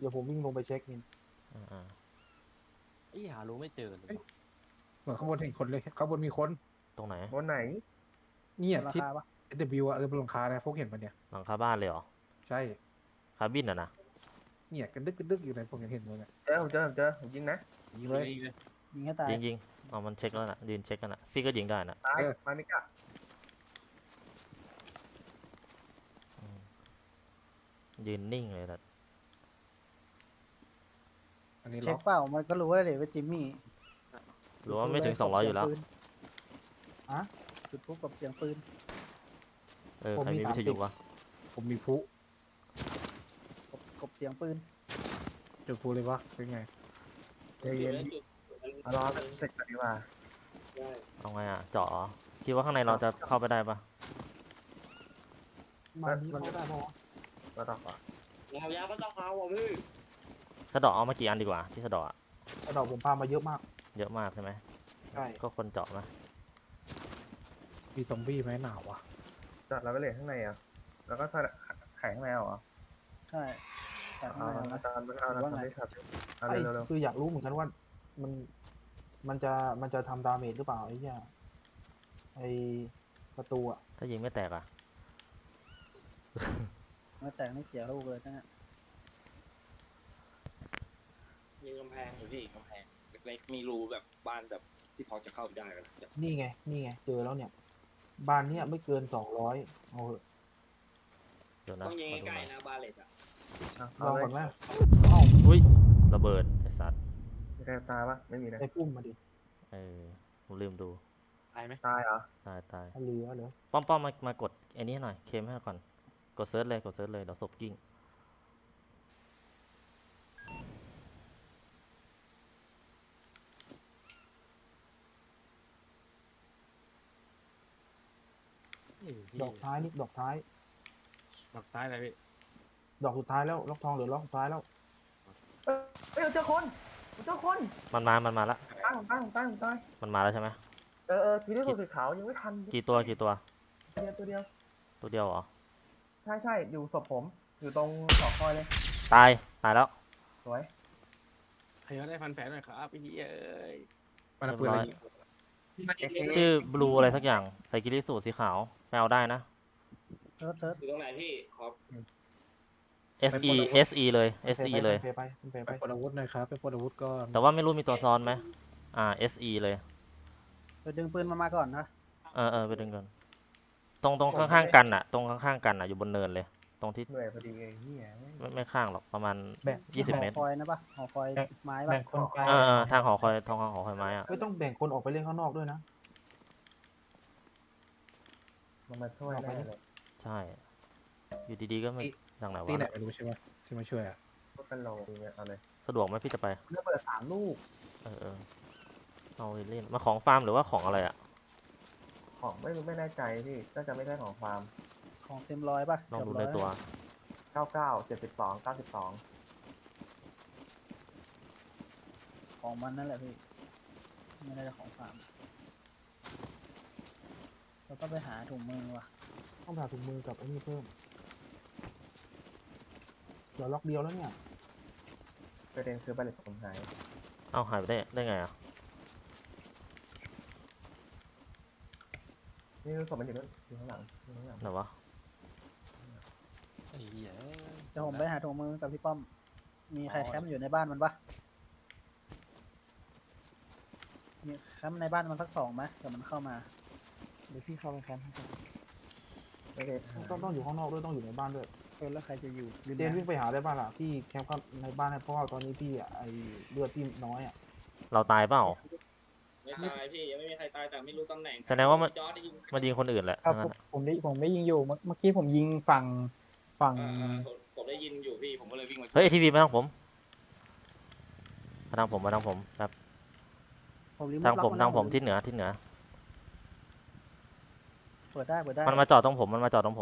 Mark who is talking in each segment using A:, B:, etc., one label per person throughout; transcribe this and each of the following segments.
A: ดี๋ยวผมวิ่งลงไปเช็คนี่
B: อ่า
C: ไอ้หารู้ไม่เจอเลยว่ะ
D: เหมือนข้างบนเห็นคนเลยข้างบนมีคน
B: ตรงไหน
E: บนไหน
D: เนี่ย
F: รา
D: ที่
F: คาปะ
D: SW อ่ะบนหลังคานะพวกเห็นมันเนี่ย
B: หลังคาบ้านเลยเหรอ
D: ใช่
B: คาบินอ่ะนะ
D: เนี่ยกันดึกอยู่ในผมยังเห็นเลยเนี่ย
E: เจอผมยิงนะ
D: ยิงเลย
F: ยิงให้ตาย
B: ยิงเอามันเช็คแล้วนะยืนเช็คกันนะพี่ก็ยิงได้นะ
E: ตายมามิกะ
B: อืมยืนนิ่งเลยแต่
D: อันนี้
F: เช็
D: ล็
F: ค
D: อก
F: เปล่ามันก็รู้ว่าเลยว่าจิมมี่
B: หรือว่าไม่ถึง200อยู่แล้ว
F: จุดปุ๊บกับเสียงปืน
B: ใครมีวิทยุวะ
D: ผมมีพลุ
F: กบเสียงปืน
D: จุดพลุเลยวะเป็นไง
E: ใจเย็นเอารอเสร็จก่อนดีกว่า
B: เอาไงอ่ะเจาะเหรอคิดว่าข้างในเราจะเข้าไปได้ปะ
A: มานี่เข้าได้ปะวะ
E: เราต่อก่อน
C: ยาวก็ต้องเอาอ่ะพี่
B: สะเดาะเอามากี่อันดีกว่าที่สะเดาะอะ
A: กระดอกผมพามาเยอะมาก
B: เยอะมากใช่ไหม
A: ใช่
B: ก็คนเจาะนะ
D: มีซอมบี้ไหมหนาววะ
E: จอดเราไปเลยข้างในอ่ะแล้วก็ไข่ข้างในเหรอ
F: ใช่แต่ข้าง
E: เอา
F: ในนะ
E: ตอนมันเอา
F: หรือว่าไง
E: ทำได้ครับเอา
A: ไอ้
E: เร็ว
A: คืออยากรู้เหมือนกันว่ามันมันจะทำดาเมจหรือเปล่าไอ้เนี่ยไอ้ประตูอะ
B: ถ้ายิงไม่แตกอ่ะ
F: เมื่อแต่งนี่เสียลูกเลยนะเนี่ย
C: มีกำแพงอยู่พี่กำแพงเล็กๆมีรูแบบบ้านแบบที่พอจะเข้าได้กัน
A: นี่ไงเจอแล้วเนี่ย บ้านเนี้ยไม่เกิน200เอาเถอะ
B: เดี๋ยวนะ
C: ต้องยิง
B: ขอดู
C: ใก
B: ห
C: ล้
B: น่อย
C: ๆนะบาเลตอ่ะ
E: ๆ
A: ลองก่อนไหม
B: อุ้ยระเบิดไอ้สัตว์
E: มีใครตายปะไม่มีนะ
A: ไอ้ปุ้มมาดิ
B: ผมลืมดู
C: ตายไหม
E: ตายเหรอ
B: ตาย
A: ถ้าเหลือเหรอ
B: ป้อมมากดไอ้นี้ให้หน่อยเคมให้ก่อนกดเซิร์ชเลยเดี๋ยวศพกิ้ง
A: ดอกท้ายนี่ดอกท้าย
C: ดอกท้ายอะไรพี่
A: ดอกสุดท้ายแล้วล็อกทองเหลือล็อกสุดท้ายแล้ว
E: เฮ้ยเจอคน
B: มันมาแล้ว
E: ตั้ง
B: มันมาแล้วใช่ไหม
E: ทีนี้ตัวสีขาวยังไม่ทัน
B: กี่ตัว
E: ตัวเดียว
B: ตัวเดียวเหรอ
E: ใช่อยู่ศพผมอยู่ตรงหอคอยเลย
B: ตายแล้ว
E: สวย
C: ใครก็ได้ฟันแผลหน่อยครับพี่เอ้ย
D: มันเอาปืนอะไรยิง
B: ชื่อบลูอะไรสักอย่างใส่กิริสูทสีขาวไปเอาได้นะ
F: เซิร์ช
C: อยู่ตรงไหนพี่ขอ
B: SE เลย SE เลย
A: ไป
D: ไปปลดอาวุธหน่อยครับไปปลดอาวุธก่อน
B: แต่ว่าไม่รู้มีตัวซ้อนไหมSE เลย
F: ไปดึงปืนมาก่อนนะ
B: ไปดึงก่อนตรงข้างๆกันอ่ะตรงข้างๆกันอ่ะอยู่บนเนินเลย ตรงที่
E: เหนื่อยพอดีไอ้เหี้ย
B: ไม่ข้างหรอกประมาณ
A: แบ่ง
B: 20 เมตร
F: หอคอยนะปะหอคอยไม้ปะ
A: แบ่งคนไป
B: ทางหอคอยไม้อ่ะ
A: ไม่ต้องแบ่งคนออกไปเล่นข้างนอกด้วยนะ
E: มันมาช่วยได้เลย
B: ใช่ อยู่ดีๆก็ไม่อย่างไหน
D: ที่ไหน
B: วะ
D: ไม่รู้ใช่ไหมที่มาช่วยอ่ะ
E: ก็เป็นโลเนี่ยเอาเลย
B: สะดวกไหมพี่จะไป
E: เลือกเปิด3 ลูก
B: เอาเล่นมาของฟาร์มหรือว่าของอะไรอ่ะ
E: ของไม่แน่ใจพี่น่าจะไม่ใช่ของฟาร์ม
F: ของเต็มร้อยปะ
B: ลองดู
F: เกื
B: ใน
F: บร้ย
B: ตัว
E: 99 72 92
F: ของมันนั่นแหละพี่ไม่ได้ของฟาร์มเราต้องไปหาถุงมือว่ะ
A: ต้องหาถุงมือกับไอ้นี่เพิ่มเดี๋ยวล็อกเดียวแล้วเนี่ย
E: ประเด็นคือบัลเลตผมหาย
B: เอาหายไปได้ไงอ่ะ
E: นี่รู้สึกมันอยู่นู่นอยู่ข้างหลัง
B: ไหนวะ
C: ไอ้เหี้ย
F: เดี๋ยวผมไปหาถุงมือกับพี่ป้อม มีใครแคมป์อยู่ในบ้านมันปะมีแคมป์ในบ้านมันสัก2ไหมเดี๋ยวมันเข้ามา
A: เดี๋ยวพี่เข้าไปแคมป์ให้ก่อน
E: ไม่ได้
A: ต้องอยู่ข้างนอกด้วยต้องอยู่ในบ้านด้วย
F: แล้วใครจะอยู่
A: เจนวิ่งไปหาได้บ้านล่ะพี่แคมป์เข้าในบ้านให้เพราะว่าตอนนี้พี่อะไอเลือดพี่น้อยอะ
B: เราตายเปล่า
C: ไม่ตายพี่ยังไม่มีใครตายแต่ไม่รู้ตำแหน่ง
B: แสดงว่ามัน
C: จอร์จได้ยิง
B: มันยิงคนอื่นแหละ
G: ครับ
B: ทั้งนั้นอะ
G: ผมได้ยิงอยู่เมื่อกี้ผมยิงฝั่ง
C: ผมได้ยินอยู่พี่ผมก็เลยวิ่งมา
B: เฮ้ยทีวีมาทางผมแบบ
F: ผมรีโม
B: ทาง
F: ทล็
B: ผ
F: อก
B: ม
F: น
B: ทางผม
F: แล้ว
B: ทิศเหนือ
F: เปิดได้
B: มันมาจอดตรงผม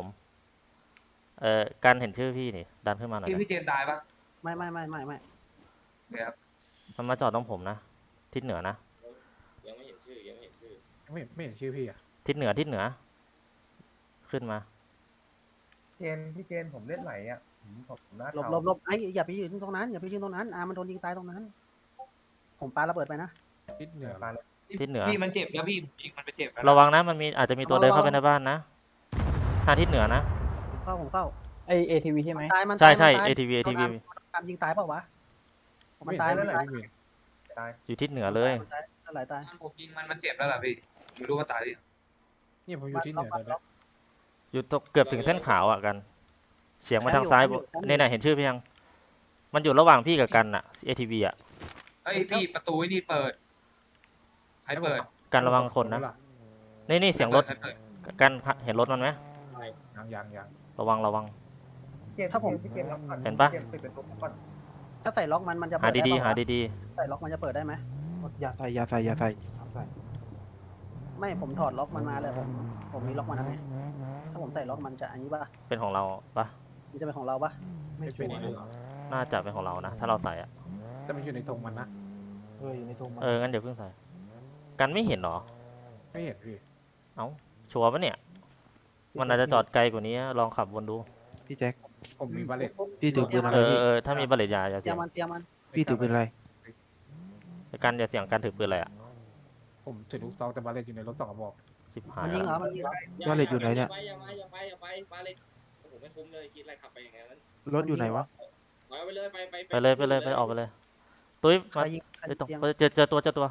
B: การเห็นชื่อพี่นี่ดันขึ้นมาหน่อยนะ
H: พี่เจนตายปะ
F: ไม่
H: ครับ
B: มันมาจอดตรงผมนะทิศเหนือนะ
C: ยังไม่เห็นชื่อ
D: ไม่เห็นชื่อพี่อ่ะ
B: ทิศเหนือขึ้นมา
E: พี่เจนผมเล่นไหลอ่ะผมผมหน้า
F: หลบ
E: เทา
F: หลบหลบไอ้อย่าไปยืนตรงนั้นอย่าไปยืนตรงนั้นมันโดนยิงตายตรงนั้น ผมปาระเบิดไปนะ
D: ทิศเหนือ
E: ปาเลย
B: ทิศเหนือ
H: พี่มันเจ็บแล้วพี่ยิงมันไปเจ็บแล้ว
B: ระวังนะมันมีอาจจะมีตัวเดินเข้าไปในบ้านนะทางทิศเหนือนะ
F: ผมเข้า
G: ไอเอทีวีใช่ไหม
F: ตายมัน
B: ใช่
F: ตาย
B: ใช่
F: มันตาย
B: ATV
F: โดนตามยิงตายเปล่าวะมันตาย
D: ไม่
F: มัน
D: เห็น
F: ตาย
D: ไม่เห็น
E: ตาย
B: อยู่ทิศเหนือเลย
F: มันตายอะไรตาย
H: ผมยิงมันเจ็บแล้วล่ะพี่ไม่รู้ว่าตายหรือยัง
D: เนี่ยผมอยู่ที่เหนือเลยนะ
B: อยู่ตรงเกือบถึงเส้นขาวอ่ะกัน เฉียงมาทางซ้ายเนี่ยนะเห็นชื่อพี่ยัง มันอยู่ระหว่างพี่กับกันอ่ะ ATV อ่ะ
H: เอ้ยพี่ประตูไอ้นี่เปิดใครเปิด
B: กันระวังคนนะนี่เสียงรถ
H: ใคเปิด
B: กันเห็นรถมันไหม
D: ยัง
B: ระวังระวัง
E: พี่เกมล็อกก่อน
B: เห็นปะ
E: พี่กมปิดประตูก่อน
F: ถ้าใส่ล็อกมันจะ
B: หา
F: เปิดได้
B: ดี
F: เป
B: ๆ
F: ล่า
B: หาว
F: ะ
B: ดี
F: ใส่ล็อกมันจะเปิดได้ไหม
A: อย่าใส่อย่าใส่อย่าใส่ห้ามใส่
F: ไม่ผมถอดล็อกมันมาเลยผมมีล็อกมันนะไงถ้าผมใส่ล็อกมันจะอันนี้ป่ะ
B: ๆเป็นของเราปะ
F: มันจะเป็นของเราป่ะ
A: ไม่
D: ไม่
A: ชั
D: เป็น
A: วร์
D: นี่หรอ
B: น่าจะเป็นของเรานะ ถ้าเราใส่อ่ะ
D: แต่มันอยู่ในธงมันนะ
A: อยู่ในธงมัน
B: งั้นเดี๋ยวเพิ่งใส่ กันไม่เห็นเหรอ
D: ไม่เห็นพี่
B: เอ้า ชัวร์ปะเนี่ย มันอาจจะจอดไกลกว่านี้ ลองขับวนดู
I: พี่แจ็ค
D: ผมมีบาเลต
I: พี่ถือปืนอะไรพี่
B: ถ้ามีบัลเลตยาอย่า
F: เตรี
B: เสี
F: ย
B: ย
F: ม
B: ง
F: มันเตรียมมัน
I: พี่ถือปืนอะไร
B: กันอย่าเสียงกันถือปืนอะไรอ่ะ
D: ผมถือลูกซองแต่บาเลตอยู่ในรถ2 กระบอก
B: ชิบหาย
F: มันยิงเหร
B: แล้
F: อ
B: ว
F: มันยิงเหรอ
I: ว่าเหล็กอยู่ไหนเนี่ย
C: อย่าไปมาเลยโอ้โหไม่คุ้มเลยคิดอะไรขับไปอย่างนั้น
I: รถอยู่ไหนวะ
C: ไปเลยไป
B: ไปเลยออกไปเลย ตุ้ย
F: ใคร
B: มา
F: ยิงใคร
B: ไปตรง
F: เตรียม
B: เจอตัว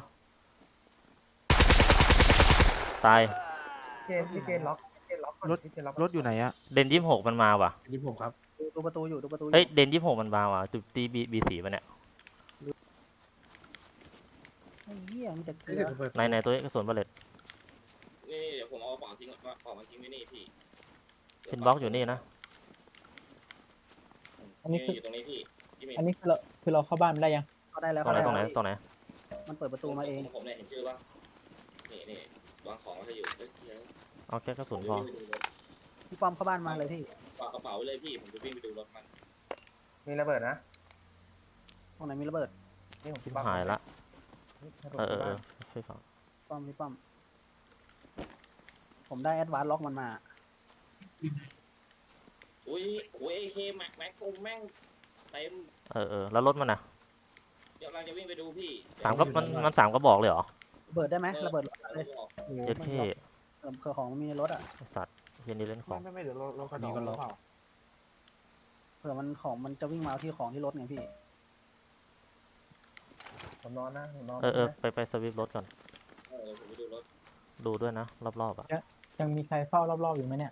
B: ตาย
E: พี่เกมล็อกก่อน
I: รถ
E: พี่เกมล็อก
I: รถอยู่ไหนอะ
B: เดน26มันมาว่ะ
D: นี่ผมครับ
F: ดูประตูอยู่ดูประตูอยู่
B: เฮ้ย เดน26มันมาว่ะจุดตีบี4มันเนี่ย
F: ไอ้เหี้ยมีแต่เกลื
D: ไม่
F: อ
D: ได้เปิด
B: ในตัวกระสุนบัลเลต
C: นี่เดี๋ยวผมเอาของทิ้งก่อนว่าของมันทิ้งไว้นี่พี่
B: พินบล็อกอยู่นี่นะ
G: อันนี้คือ
C: อยู่ตรงนี้พี่
G: อันนี้คือเราเข้าบ้านไม่ได้ยัง
F: ก็ได้แล้ว
B: ตรงไหน
F: ก็
B: ตรงไหน
F: ด้แล้ว
B: ตรงไหน
F: มันเปิดประตูมาเอง
C: ผมเนี่ยเห็นชื่อป่ะนี่วางของไว้ให้อยู่เฮ้ย
B: เอาแค่กระสุนพอ
F: พี่ป้อมเข้าบ้านมาเลยพี่
C: ฝากกระเป๋าไว้เลยพี่ผมจะวิ่งไปดูรถมัน
E: มีระเบิดนะ
F: ตรงไหนมีระเบิด
E: นี่ผม
B: ชิบ
E: ปั๊ม
B: หายละ
E: ให้ผม
B: เออ
E: ปั๊ม
B: ช่วยฟัง
F: พี่ป้อมผมได้แอดวานซ์ล็อกมันมา
C: อุ้ยAK แม็กแม่งเต็ม
B: แล้วรถมันน่ะ
C: เดี๋ยวเราจะวิ่งไปดูพี่
B: มัน3 กระบอกเลยเหรอ
F: ระเบิดได้ไหมระเบิดเลย
B: เจ็ดเข้
F: เครื่องของมันมีในรถอ่ะ
B: ไอ้สัตว์เฮียนี่เล่นของ
A: ไม่เดี๋ยวเรากระโดดหรือเปล่า
F: เผื่อมันของมันจะวิ่งมาเอาที่ของที่รถไงพี่
E: ผมนอนนะผมนอน
B: ไปสวิปรถก่อน
C: ผมไปดูรถ
B: ดูด้วยนะ รอบๆอ่ะ
G: ยังมีใครเฝ้ารอบๆอยู่ไหมเนี่ย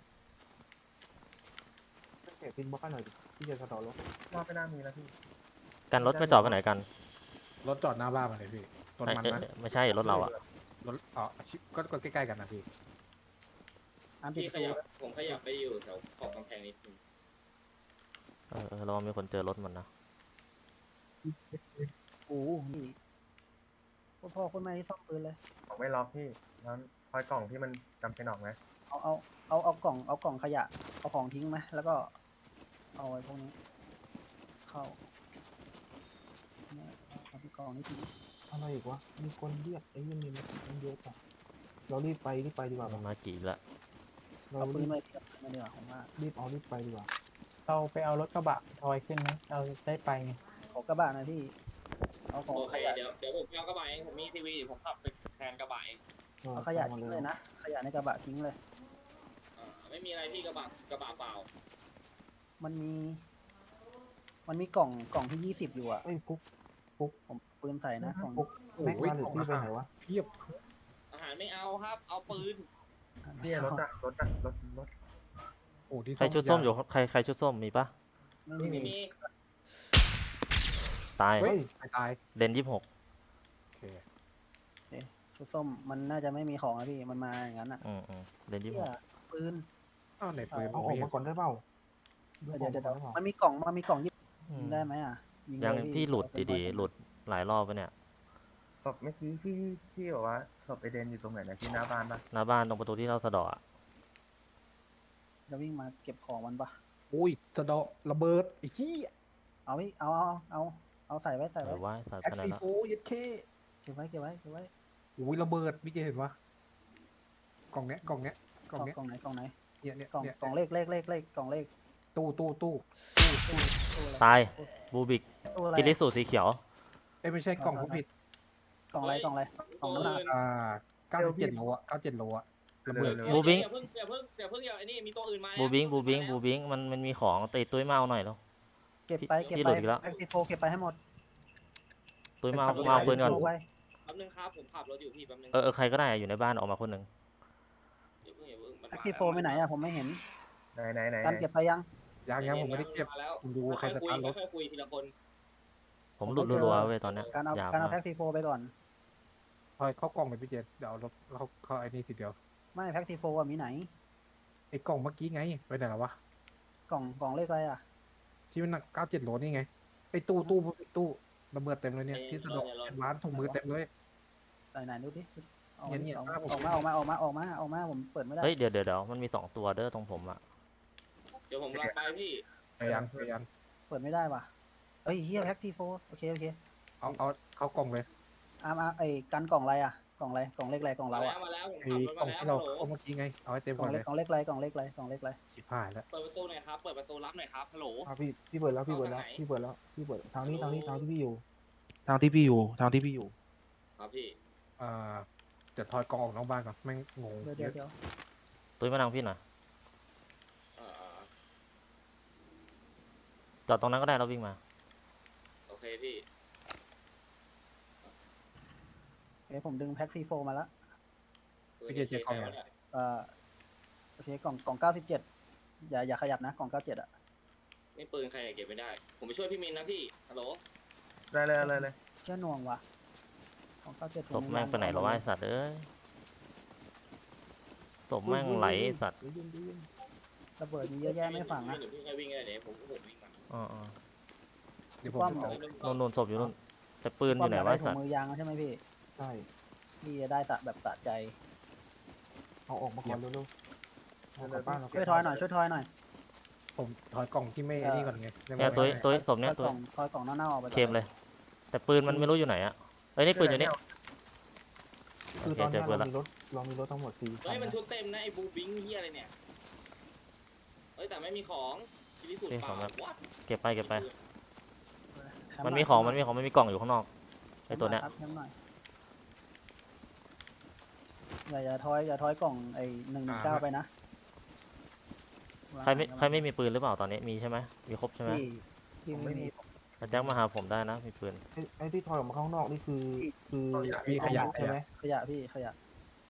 A: เก็บพินบล็อกให้หน่อยดิพี่จะกระโดดรถ
E: นอนไม่น่ามีแล้วพี่
B: กันรถไม่จอดไปไหนกัน
D: รถจอดหน้าบ้านมาเลยพี่ต้นมันนะ
B: ไม่ใช่รถเราอ่ะ
D: รถก็ใกล้ๆกันนะพี่
F: ปิด
C: พี่
F: ประ
C: ข
F: ตู
C: ยับผมขยับไปอยู่แถวขอบกำแพงนิดนึง
B: ระวังมีคนเจอรถมันนะ
F: โอ้โหนี่พ่อคนแม่ที่ซ่อมปืนเลย
E: ของไม่ล็อกพี่แล้วคอยกล่องที่มันจำเป็นออกไหม
F: เอากล่องขยะเอาของทิ้งไหมแล้วก็เอาไว้พวกนี้เข้าเนี่ยเอาที่กล่องนี้ทิ้ง
A: อะไรอีกวะมีคนเรียกไอ้ยังมีมันเยอะป่ะเรารีบไปดีกว่า
B: มันมากี่ละ
A: เรา
F: เอาปื
A: รี
F: น
A: บ
F: มาเทียบมาดีกว่าผมว่า
A: รีบไปดีกว่า
G: เราไปเอารถกระบะทอยขึ้นไหมเราได้ไปไง
F: ขอกระบะหนะพี่เอาของ
C: โอเค
F: ขยะ
C: เดี๋ยวผมเอากระบะเองผมมีทีวีผมขับไปแทนกระบะเอง
F: เอาขยะทิ้งเลยนะขยะในกระบะทิ้งเลย
C: ไม่มีอะไรพี่กระบะเปล่า
F: มันมีกล่องที่20อยู่อ่ะ
A: เอ้ยฟุก
F: ผมปืนใส่นะกล่อง
A: แม็กมาหรือพี่ไปไหนวะ
C: อาหารไม่เอาครับ เอาปืน
E: พี่รถรถ
D: โอ้ที่
B: ใครชุดส้มอยู่ใครชุดส้มมีปะ
F: ไม่
C: ไม่
F: มี
C: มี
B: ตาย
D: เฮ้ยตาย
B: เดน26
D: โอเค
F: ชุดส้มมันน่าจะไม่มีของนะพี่มันมาอย่างนั้นอ่ะ
B: เดน
F: เหี้ยปืน
D: อ้าวไหนปืน
A: เอาออกมาก่อนได้เปล่า
F: เดี๋ยวมันมีกล่องยิงได้ไหมอ่ะยิง
B: 26ยัง
F: เลย
B: พี่หลุดดีๆหลุดหลายรอบไปเนี่ย
E: ศพเมื่อกี้พี่บอกว่าศพไอเดนอยู่ตรงไหนนะที่หน้าบ้านปะ
B: หน้าบ้านตรงประตูที่เราสะเดาะอะ
F: จะวิ่งมาเก็บของมันปะ
D: โอ้ยสะเดาะระเบิดไอ้ขี้
F: เอาพี่เอาใส่ไว้
B: ใส่ไว้ใส่
D: แอ
B: ไป
D: ค
B: ไหน
D: ซี
B: ละ
D: โฟยัดเค
F: เก็บไว้
D: โอ้ยระเบิดพี่เจเห็นปะกล่องเนี้ย
F: กล่องไหน
D: เนี่ย
F: กล่องเลขกล่องเลข
D: ตตู้
F: ตู้อะไร
B: ตายบูบิก
F: ตู้อะไร
B: กิริสูสีเขียว
D: เอ้ยไม่ใช่กล่องผู้ผิด
F: กล่องอะไรกล่องอะไรกล่องน้ำหนัก
D: 97 โลอะ97 โลอะระเบิด
B: บูบิง
C: อย่าเพิ่งอย่าไอ้นี่มีตัวอื่นมา
B: บูบิงมันมีของตีตุ้ยเมาหน่อยแล้ว
F: เก็บไปเก็บ
B: พี่ห
F: ไป
B: ลุดอีกแล้ว
F: แพ็กซีโฟเก็บไปให้หมด
B: ตุ้ยเมาเอาปืนก่อน
F: เอาไว้
C: แป๊บนึงครับผมขับรถอยู่พี่แป๊บนึง
B: ใครก็ได้อะอยู่ในบ้านออกมาคนหนึ่ง
C: อย่าเพิ่งมัน
F: แพ็กซีโฟไปไหนอะผมไม่เห็น
E: ไหน
F: การเก็บไปยัง
D: ยังผมไม่ได้เก็บ
C: มาแล้ว
D: คุณดูใครสตาร์ทรถ
C: ค่อยคุยทีละคน
B: ผมหลุดรัวๆเว้ยตอนเนี้ย
F: การเอา
B: ยาว
F: การเอา
B: มาก
F: แพ็กซีโฟไปก่อน
D: ทอยเข้ากล่องเลยพี่เจเดี๋ยวเอารถเข้าไอ้นี่ทีเดียว
F: ไม่แพ็กซีโฟอะมีไหน
D: ไอ้กล่องเมื่อกี้ไงไปไหนแล้ววะ
F: กล่องเลขอะไรอะ
D: ที่มันหนัก97 โลนี่ไงไอ้ตู้ระเบิดเต็มเลยเนี่ยที่สะดวกร้านถุงมือเต็มเลย
F: ไหนดูดิเอา
D: เนี่ย
F: ออก
D: หน้าผม
F: มาผมเปิดไม่ได้
B: เฮ้ยเดี๋ยวมันมี2ตัวเด้อตรงผมอะ
C: เดี๋ยวผมรับไปพี่
D: พยายาม
F: เปิดไม่ได้ว่ะเอ้ยเฮียแพ็กซีโฟโอเค
D: เอาเข้ากล่องเลย
F: ไอ้กันกล่องอะไรอะกล่องอะไรกล่องเลขอะไรกล่องเราอะ
C: มาแล้วผม
D: ไอ้
C: ขับรถ
D: กล่
C: มา
D: อง
C: แล้ว
D: ที่เราเข้าเมื่อกี้ไงเอาให้เต็ม
F: ก
D: ก่
F: ล่
D: อ
F: อน ง
D: เล
F: เล็
D: ย
F: กกล่องเลขอะไรกล่องเลขอะไรกล่องเลขอะไร
D: ชิบหายแล้ว
C: เปิดประตูหน่อยครับเปิดประตูรับหน่อยครับฮัลโหล
A: พี่เปิดแล้วพี่เปิดแล้ว
C: เอาทางไหน
A: พี่เปิดแล้วพี่เปิดทางนี้
C: ฮัลโหล
A: ทางที่พี่อยู่
I: ทางที่พี่อยู่ทางที่พี่อยู่
C: ครับพี่
D: เดี๋ยวทอยกล่องออกนอกบ้านก่อนแม่งงง
F: เดี๋ยว
B: ตุ้ยมาทางพี่หน่อย
C: เอ่อ
B: จอดตรงนั้นก็ได้เราวิ่งมา
C: โอเคพี่
F: เดี๋ยวผมดึงแพ็กซีโฟมาแล้ว
D: พี่เจเจกล่องยัง
F: โอเคกล่อง97อย่าขยับนะกล่อง97อะ
C: นี่ปืนใครเก็บไม่ได้ ผมไปช่วยพี่มินนะพี่ฮัลโหล
E: ได้เลย
F: เชื่อหน่วงว่ะกล่อง97
B: ศพแม่งไปไหนแล้ววะไอ้สัตว์เอ้ยศพแม่งไหลไอ้สัตว์
F: ระเบิดมีเยอะแยะไม่ฝังนะ
C: เดี๋ยวพี่ให้วิ่งได้เดี๋ยวผมวิ่งมา
B: อ๋อ
D: เดี๋ยวผม
F: ความ
D: จะ
F: เหร
D: เอา
F: อ
B: โดนศพอยู่นู่นแต่ปืนอยู่ไหนวะไอ้
F: ถุ
B: สั
F: ง
B: ตว์
F: มือยางใช่ไหมพี่
A: ใช่
F: พี่จะได้แบบสะใจ
A: เอาออกมาก่อนเร็วๆเอากลับบ้านเรา
F: ช่วยทอยหน่อย
D: ผมถอยกล่องที่ไม่ไอ้นี่ก่อนไงได้ไหม
B: เนี่ยตุ้ยศพเนี่ยตุ้ย
F: ทอยกล่องเน่าๆออกไปก่อน
B: เคมเลย แต่ปืนมันไม่รู้อยู่ไหนอะเอ้ยนี่ปืนอยู่นี่
A: คือ
B: โอเค
A: ตอน
B: เจ
A: นี้
B: อปืนละ
A: เรามีรถทั้งหมด4
C: เฮ้ยมันชุดเต็มนะไอ้บูบิงเฮียอะไรเนี่ยเฮ้ยแต่ไม่มีของชิลิสุดเปล่าวัด
B: เก็บไป
F: แค
B: มัน
F: ห
B: มี
F: ย
B: ของมันมีกล่องอยู่ข้างนอกไอ้ตัวเนี้ย
F: ครับแคมป์หน่อยอย่าทอยกล่องไอ้119ไปนะ
B: ใครไม่มีปืนหรือเปล่าตอนนี้มีใช่ไหมมีครบใช่ไหม
F: พี่ไม่มี
B: แต่แจ็คมาหาผมได้นะมีปืน
A: ไอ้ที่ถอยออกมาข้างนอกนี่คือ
D: พี่ขยะ
A: ใช่ไหม
F: ขยะพี่ขยะ